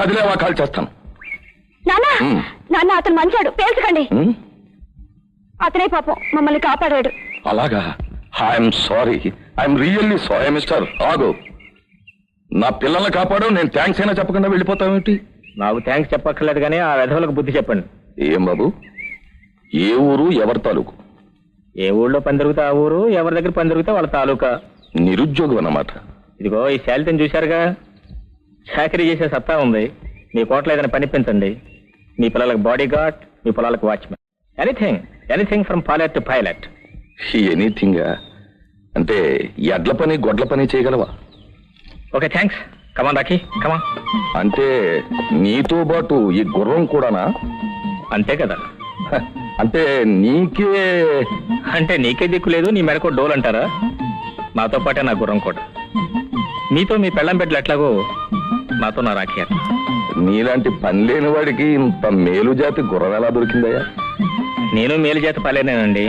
కదిలేవా call చేస్తాను. నాన్న నాన్న అతను మంచాడు, పేల్చకండి. అతనే పాపం మమ్మల్ని కాపాడాడు. అలాగా? I'm sorry, I'm really sorry. Mister ఆగు, నా పిల్లల్ని కాపాడు, నేను థ్యాంక్స్ అయినా చెప్పకుండా వెళ్ళిపోతావేంటి? నాకు థ్యాంక్స్ చెప్పక్కర్లేదు కానీ ఆ వెధవులకు బుద్ధి చెప్పండి. ఏం బాబు, ఏ ఊరు, ఎవరి తాలూకు? ఏ ఊళ్ళో పని దొరికితే ఆ ఊరు, ఎవరి దగ్గర పని దొరికితే వాళ్ళ తాలూకా. నిరుద్యోగం అన్నమాట. ఇదిగో ఈ శాలితని చూశారుగా, చాకరీ చేసే సత్తా ఉంది. మీ కోట్లో ఏదైనా పనిపించండి. మీ పిల్లలకు బాడీ గార్డ్, మీ పొలాలకు watchman, anything from pilot to pilot. Anything అంటే ఎడ్ల పని గొడ్ల పని చేయగలవా? Okay thanks. Come on Rakhi, come on. అంటే నీతో పాటు ఈ గుర్రం కూడానా? అంతే కదా. అంటే నీకే దిక్కు లేదు, నీ మెడకో డోల్ అంటారా? నాతో పాటే నా గుర్రం కూడా. మీతో మీ పెళ్ళం బిడ్డలు ఎట్లాగో నాతో నా రాఖీ అట్లా. నీలాంటి పని లేని వాడికి ఇంత మేలు జాతి గుర్రం ఎలా దొరికిందయ్యా? నేను మేలు జాతి పలేనేనండి.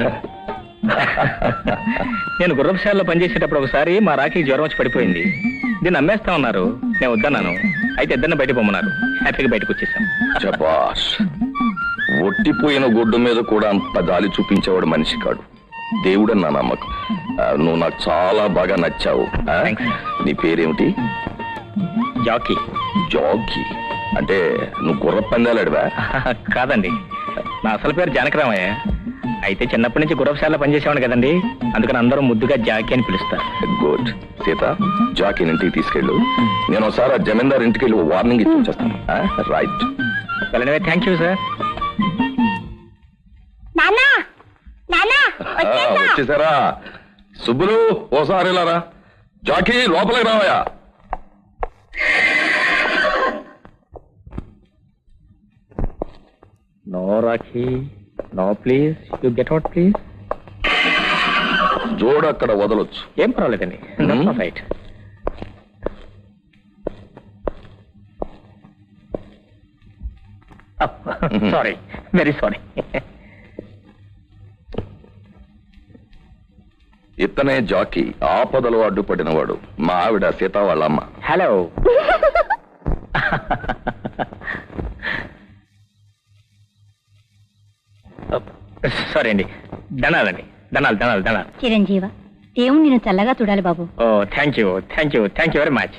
నేను గుర్రపుశాలలో పనిచేసేటప్పుడు ఒకసారి మా రాఖీ జ్వరం వచ్చి పడిపోయింది. దీన్ని అమ్మేస్తా ఉన్నారు, నేను వద్దన్నాను. అయితే ఇద్దరిని బయట పొమ్మన్నారు. హ్యాపీగా బయటకు వచ్చేసాం. శభాష్. ఒట్టిపోయిన గుడ్డు మీద కూడా అంత జాలి చూపించేవాడు మనిషి కాడు. దేవుడని నా నమ్మకం. నువ్వు నాకు చాలా బాగా నచ్చావు. నీ పేరేమిటి? జాకీ. జాకీ అంటే నువ్వు గుర్ర పందాలాడివా? కాదండి, నా అసలు పేరు జానకరామయ్య. అయితే చిన్నప్పటి నుంచి గుర్రపుశాలలో పనిచేసేవాడు కదండి, అందుకని అందరూ ముద్దుగా జాకీ అని పిలుస్తారు. గుడ్. సీత, జాకీని ఇంటికి తీసుకెళ్ళు. నేను ఒకసారి ఆ జమీందార్ ఇంటికి వెళ్ళి వార్నింగ్ ఇచ్చి వచ్చేస్తాను. రైట్. వెళ్ళనివే. Thank you sir. వచ్చేసారా? సుబ్బులు, ఓసారి వెళ్ళారా? జాకీ లోపలికి రావయా. No Rakhi, no please, you get out please. జోడు అక్కడ వదలొచ్చు. ఏం పర్వాలేదండి. రైట్. Sorry, very sorry. ఇతనే జాకీ, ఆపదలో అడ్డుపడినవాడు. మా ఆవిడ సీత వాళ్ళ అమ్మ. హలో. సారీ అండి. ధనాలండి. ధనాలు ధనాలు ధనాలు. చిరంజీవ, దేవుడు నిన్ను చల్లగా చూడాలి బాబు. Oh thank you, thank you, thank you very much.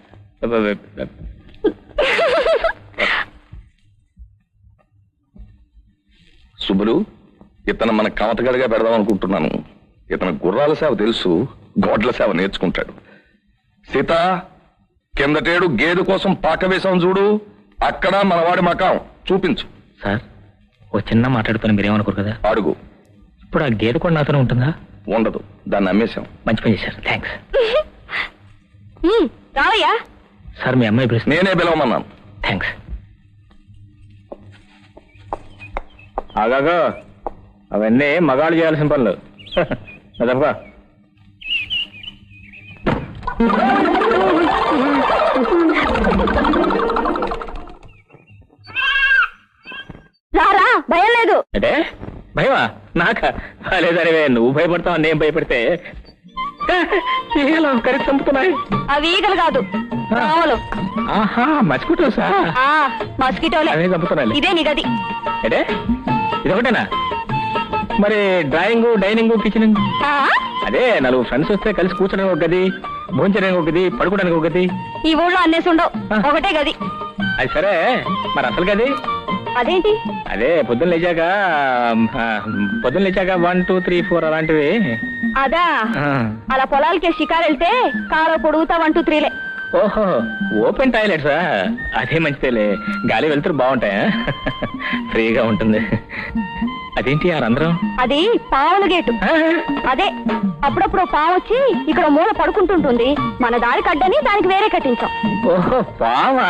Subbulu, ఇతను మన కమతగడిగా పెడదాం అనుకుంటున్నాను. ఇతను గుర్రాల సేవ తెలుసు, గోడ్ల సేవ నేర్చుకుంటాడు. సీత, కిందటేడు గేదె కోసం పాక వేసాం చూడు, అక్కడ మనవాడి మకాం చూపించు. సార్, ఓ చిన్న మాట్లాడుతాను, మీరేమనుకోరు కదా? అడుగు. ఇప్పుడు ఆ గేదె కూడా నాతోనే ఉంటుందా? ఉండదు, దాన్ని అమ్మేశాం. మంచి పని చేశారు, థ్యాంక్స్. రావయ్యా. సార్, మీ అమ్మాయి ప్రశ్న. నేనే పిలవమన్నాను. థ్యాంక్స్. ఆగాగా, అవన్నీ మగాళ్ళు చేయాల్సిన పనులు. అదబ్బా. రారా, భయం లేదు. అంటే భయమా? నాకా? లేదనివే, నువ్వు భయపడతావు, నేను భయపడితే ఈగలు కరిచి చంపుతున్నాయి. అవి ఈగలు కాదు, పాములు. ఆహా, మస్కిటోసా? మస్కిటోలే. అవే చంపుతున్నాయి. ఇదే నీ గది. అంటే ఇదొకటేనా? మరి డ్రాయింగ్, డైనింగ్, కిచెనింగ్? అదే, నలుగురు ఫ్రెండ్స్ వస్తే కలిసి కూర్చోడానికి ఒక గది, భోంచడానికి ఒక గది, పడుకోవడానికి ఒక గది. ఈ ఊళ్ళో అన్నేసి ఉండవు, ఒకటే గది. అది సరే, మరి అసలు గది అదేంటి? అదే పొద్దున్న లేచాక 1, 2, 3, 4 అలాంటివి. అదా, అలా పొలాలకే షికారు వెళ్తే కాలో పొడుగుతా 1, 2, 3లే. ఓహో, ఓపెన్ టాయిలెట్సా? అదే మంచిదేలే, గాలి వెళ్తురు బాగుంటాయా? ఫ్రీగా ఉంటుంది. అదేంటి ఆ రంధ్రం? అది పావుల గేటు. అదే, అప్పుడప్పుడు పావు వచ్చి ఇక్కడ మూల పడుకుంటుంటుంది. మన దారి కడ్డని దానికి వేరే కట్టించాం. ఓహో, పావా?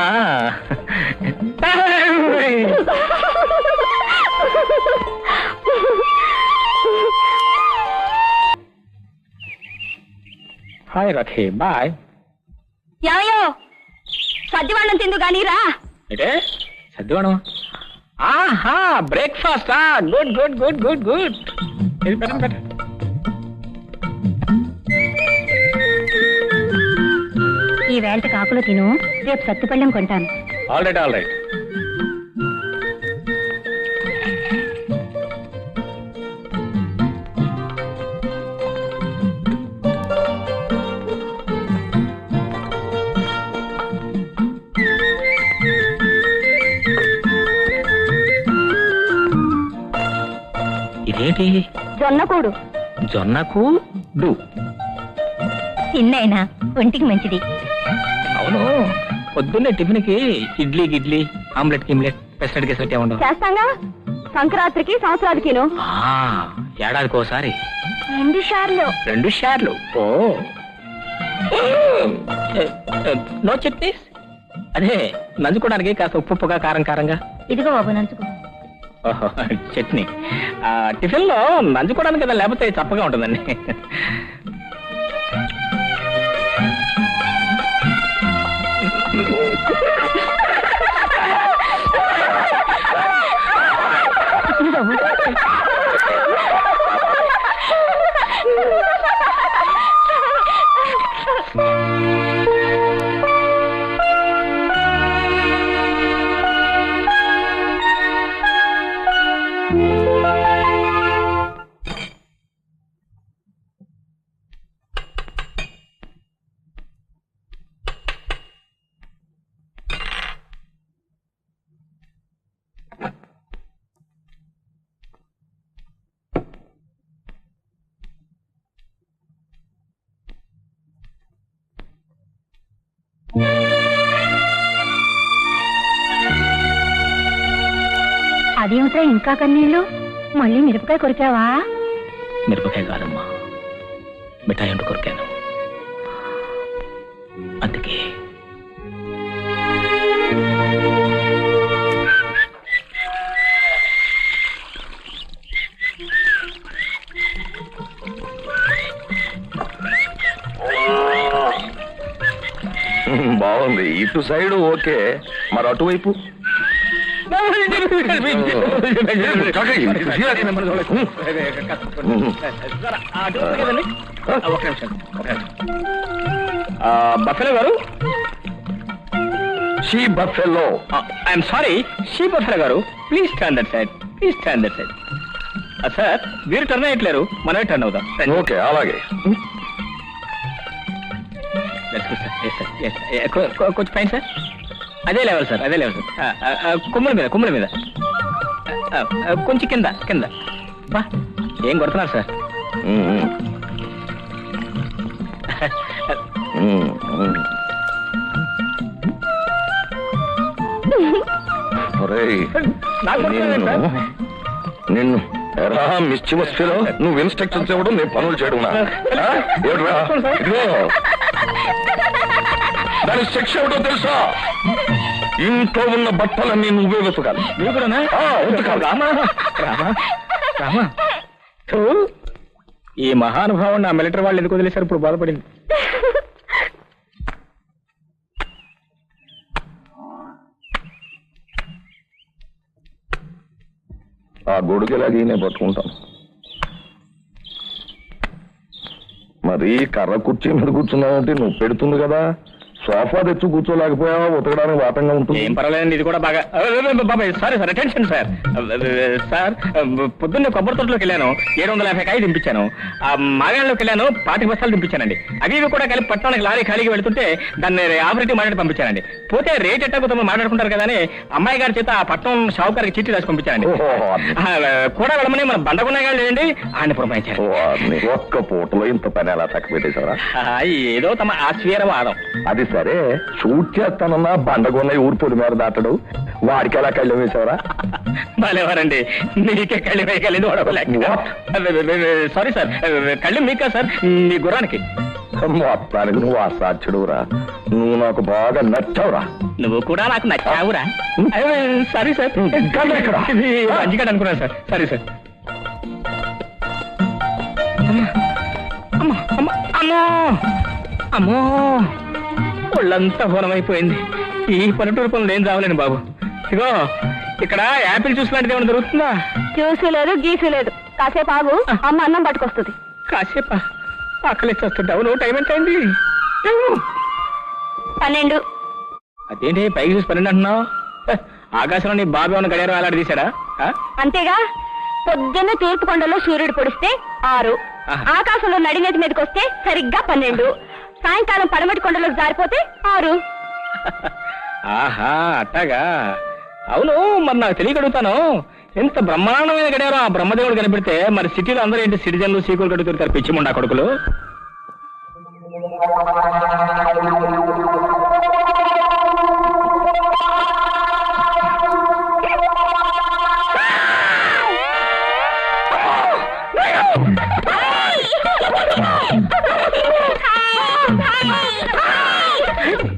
Hi Rakhi, bye. యాయో, సద్దివాళ్ళం తిందు గానీ రా. అంటే సద్దివాణం? ఆహా, breakfast. Good good good good good. ఈ వేళ కాకులు తిను, రేపు సత్తుపళ్ళెం కొంటాను. All right all right. ఇదేంటి? జొన్నకూడు. జొన్నకు డు. తిన్నైనా ఒంటికి మంచిది. అవును, పొద్దున్నే టిఫిన్ కి ఇడ్లీ గిడ్లీ ఆమ్లెట్ గిమ్లెట్ పెసరట్ గెసరట్ ఏముండవు? చేస్తాంగా, సంక్రాంతికి సంవత్సరాదికిను. ఏడాదికి ఒకసారి 2 సార్లు. 2 షార్లు. Oh no chutneys? అదే నంచుకోవడానికి కాస్త ఉప్పుగా కారం కారంగా. ఇదిగో బాబు నంచుకో. ఓహో, చట్నీ. టిఫిన్ లో నంచుకోవడానికి కదా, లేకపోతే చప్పగా ఉంటుందండి. అదేమిటా ఇంకా కన్నీళ్ళు? మళ్ళీ మిరపకాయ కొరికావా? మిరపకాయ కాదమ్మా, మిఠాయి అంటూ కొరికాను. అందుకే బాగుంది. ఇటు సైడ్ ఓకే, మరి అటువైపు బఫెలో గారు. She buffalo. I'm sorry, she buffalo గారు. Please turn that side, please turn that side. Sir, మీరు టర్న్ అయ్యట్లేరు, మనమే టర్న్ అవుతాం. ఓకే, అలాగే. కొంచెం పైన సార్. అదే లెవెల్ సార్, అదే లెవెల్ సార్. కొమ్ముల మీద కొంచెం కింద. బా, ఏం కొడుతున్నారు సార్? నిన్ను ఎరా మిస్చిమస్ ఫీలో, నువ్వు ఇన్స్ట్రక్షన్స్ ఇవ్వడం, నేను పనులు చేయడం. దాని శిక్ష ఏమిటో తెలుసా? ఇంట్లో ఉన్న బట్టలన్నీ నువ్వే వెతకాలి. ఈ మహానుభావం నా మిలిటరీ వాళ్ళు ఎందుకు వదిలేశారు? ఇప్పుడు బాధపడింది. ఆ గొడుగులాగి నేను పట్టుకుంటాను. మరి కర్ర కుర్చీ మీద కూర్చున్నావంటే నువ్వు పెడుతుంది కదా, సోఫా తెచ్చు కూర్చోలేకపోయావా? ఉతకడానికి వాటంగా ఉంటుంది. ఏం పర్వాలేదండి, ఇది కూడా బాగా. బాబాయ్ sorry sir, attention sir. Sir, పొద్దున్నే కొబ్బరి తోటలోకి వెళ్ళాను, 750 కాయ దింపించాను. ఆ మాగాణ్లోకి వెళ్ళాను, 25 బస్తాలు దింపించానండి. అవి కూడా కలిపి పట్టణానికి లారీ ఖాళీగా వెళ్తుంటే దాన్ని ఆపరేటివ్ మాట్లాడి పంపించానండి. పోతే రేట్ ఎట్టకపోతే మాట్లాడుకుంటారు కదా అని అమ్మాయి గారి చేత ఆ పట్టణం షావుకారికి చిట్టి రాసి పంపించానండి. కూడా వెళ్ళమని మన బండగున్నాయి లేదండి, ఆయన పురమాయించారు. ఒక్క పూటలో ఇంత పని ఎలా తక్కువ పెట్టేశారా? ఏదో తమ ఆశ్చర్యవాదం. అది సరే, షూట్ చేస్తానన్నా బండగొన్న ఊరు పొడి మీద దాటడు, వాడికి ఎలా కళ్ళెం వేసావరా? బాలేవారండి, నీకే కళ్ళు వేయగలేదు. సారీ సార్, కళ్ళు మీకా సార్, మీ గుర్రానికి. మొత్తానికి నువ్వు అసాధ్యుడురా, నువ్వు నాకు బాగా నచ్చావురా. నువ్వు కూడా నాకు నచ్చావురా. సారీ సార్, మంచిగా అనుకున్నాను సార్. Sorry sir. అమ్మో, ఒళ్ళంతా హోనమైపోయింది. ఈ పల్లెటూరు పనులు ఏం రావాలండి బాబు. ఇగో ఇక్కడ యాపిల్ జ్యూస్ లాంటిది ఏమైనా దొరుకుతుందా? జ్యూసు లేదు, గీసు లేదు. కాసేపు ఆగు, అమ్మ అన్నం పట్టుకొస్తుంది. కాసేపా? ఆకలి వస్తుంటావు. నువ్వు టైం ఎంత అయింది? 12. అదేంటి పైకి చూసి 12 అంటున్నావు? ఆకాశంలో నీ బాబు ఏమైనా గడియారం అలాంటి తీశాడా? అంతేగా, పొద్దున్న తూర్పు కొండలో సూర్యుడు పొడిస్తే 6, ఆహా. ఆకాశంలో నడినేటి మీదకి వస్తే సరిగ్గా 12, సాయంకాలం పడమటి కొండలోకి జారిపోతే 6. ఆహా అట్టాగా. అవును, మరి నాకు తెలియగలుగుతాను, ఎంత బ్రహ్మాండమైన గడియారం ఆ బ్రహ్మదేవుడు కనిపెడితే మరి సిటీలో అందరూ ఏంటి సిటిజన్లు సీకులు కడుగుతారు పిచ్చిముండా కొడుకులు.